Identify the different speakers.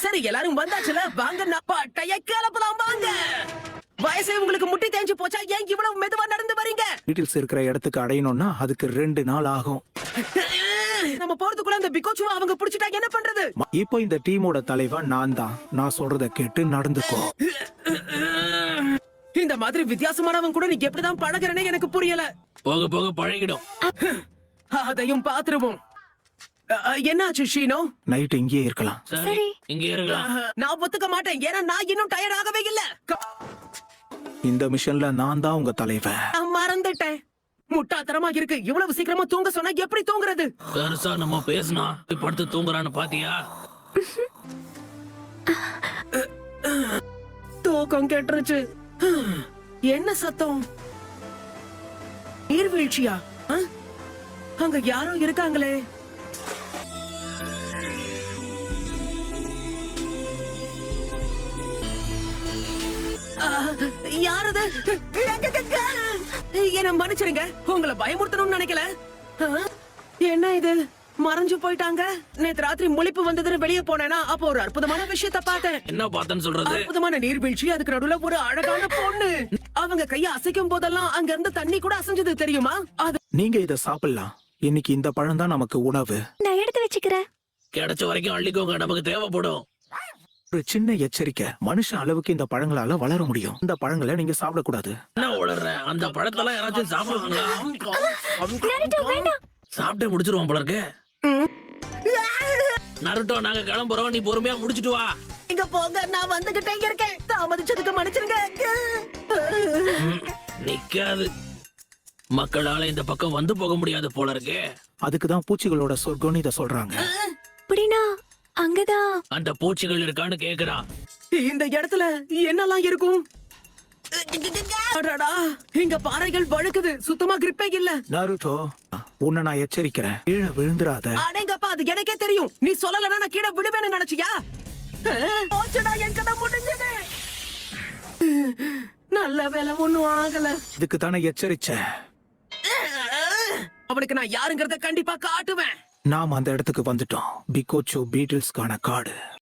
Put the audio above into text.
Speaker 1: சரி எல்லாரும் வந்தாச்சுல, வாங்க பட்டைய கிளப்பலாம் வாங்க. வயசே உங்களுக்கு முட்டி தேஞ்சு போச்சா? ஏன் இவ்வளவு மெதுவா நடந்து வரீங்க?
Speaker 2: டீட்டெயில்ஸ் இருக்கிற இடத்துக்கு அடையணும்னா அதுக்கு 2 நாள் ஆகும்.
Speaker 1: நம்ம போறதுக்குள்ள அந்த பிகோச்சுவா அவங்க புடிச்சிட்டா என்ன பண்றது?
Speaker 2: இப்போ இந்த டீமோட தலைவன் நான் தான். நான் சொல்றத கேட்டு நடந்துக்கோ.
Speaker 1: இந்த மாதிரி வித்தியாசமானவன் கூட நீ எப்படிதான் பழகுறனே எனக்கு புரியல.
Speaker 3: போக போக பழகிடும்.
Speaker 1: அதையும் பாத்துருவோம். என்னாச்சு ஷீனோ?
Speaker 2: நைட் இங்கேயே இருக்கலாம்.
Speaker 3: சரி இங்க இருக்கலாம்.
Speaker 1: நான் ஒத்துக்க மாட்டேன். ஏன்னா நான் இன்னும் டயர்ட் ஆகவே இல்ல.
Speaker 2: இந்த மிஷன்ல நான் தான் உங்க தலைவன்.
Speaker 1: நான் மறந்துட்டேன். முட்டாத்தனமா இருக்கு. இவ்வளவு சீக்கிரமா தூங்க சொன்னா எப்படி தூங்குறது?
Speaker 3: பெருசா நம்ம பேசினா படுத்து தூங்குறான்னு பாத்தியா?
Speaker 1: தூக்கம் கெட்டுருச்சு. என்ன சத்தம்? நீர்வீழ்ச்சியா? அங்க யாரோ இருக்காங்களே. யாரது? என்ன மன்னிச்சிருங்க, உங்களை பயமுறுத்தணும்னு நினைக்கல. என்ன இது? மறைஞ்சு போயிட்டாங்க. நேத்து ராத்திரி முழிப்பு வந்ததுன்னு வெளியே போனேனா, அப்போ ஒரு அற்புதமான விஷயத்த பார்த்தேன்.
Speaker 3: என்ன பார்த்தேன்னு சொல்றது?
Speaker 1: அற்புதமான நீர்வீழ்ச்சி, அதுக்கு நடுவுல ஒரு அழகான பொண்ணு. அவங்க கைய அசைக்கும் போதெல்லாம் அங்க இருந்து தண்ணி கூட அசைஞ்சது தெரியுமா? அது
Speaker 2: நீங்க இத சாப்பிடலாம். இன்னைக்கு இந்த பழம் தான் நமக்கு உணவு.
Speaker 4: நான் எடுத்து வச்சுக்கிறேன்.
Speaker 3: கிடைச்ச வரைக்கும் அள்ளிக்கோங்க, நமக்கு தேவைப்படும்.
Speaker 2: ஒரு சின்ன எச்சரிக்கை, மனுஷ அளவுக்கு இந்த பழங்களால வளர முடியும். இந்த பழங்களை நீங்க சாப்பிடக்கூடாது.
Speaker 3: என்ன உளற? அந்த பழத்தெல்லாம் யாராச்சும் சாப்பிடுவாங்களா? சாப்பிட்டே முடிச்சிருவோம் போல இருக்கு. நருட்டோ, நாங்க கிளம்புறோம், நீ பொறுமையா முடிச்சிட்டு வா.
Speaker 1: இங்க போங்க, நான் வந்துகிட்டே இருக்கேன். தாமதிச்சதுக்கு மன்னிச்சிருங்க.
Speaker 3: நிக்காது. மக்களால இந்த பக்கம் வந்து போக முடியாது போல இருக்கு.
Speaker 2: அதுக்குதான் பூச்சிகளோட சொர்க்கம்னு இத சொல்றாங்க.
Speaker 4: அப்படின்னா அங்கதான்
Speaker 3: அந்த பூச்சிகள் இருக்கான்னு கேக்குறான்.
Speaker 1: இந்த இடத்துல என்னெல்லாம் இருக்கும்? அடடா, இங்க பாறைகள் வழுக்குது. சுத்தமா கிரிப்பே இல்ல.
Speaker 2: நருட்டோ, உன்னை நான் எச்சரிக்கிறேன், கீழே விழுந்துராத.
Speaker 1: அடேங்கப்பா, அது எனக்கே தெரியும். நீ சொல்லலன்னா நான் கீழே விடுவேன்னு நினைச்சியா? போச்சுடா, என் கதை முடிஞ்சது. நல்ல வேலை, ஒண்ணும் ஆகல.
Speaker 2: இதுக்கு தானே எச்சரிச்சேன்.
Speaker 1: அவனுக்கு நான் யாருங்கறத கண்டிப்பா காட்டுவேன்.
Speaker 2: நாம் அந்த இடத்துக்கு வந்துட்டோம். பிகோச்சு பீட்டில்ஸ்கான காடு.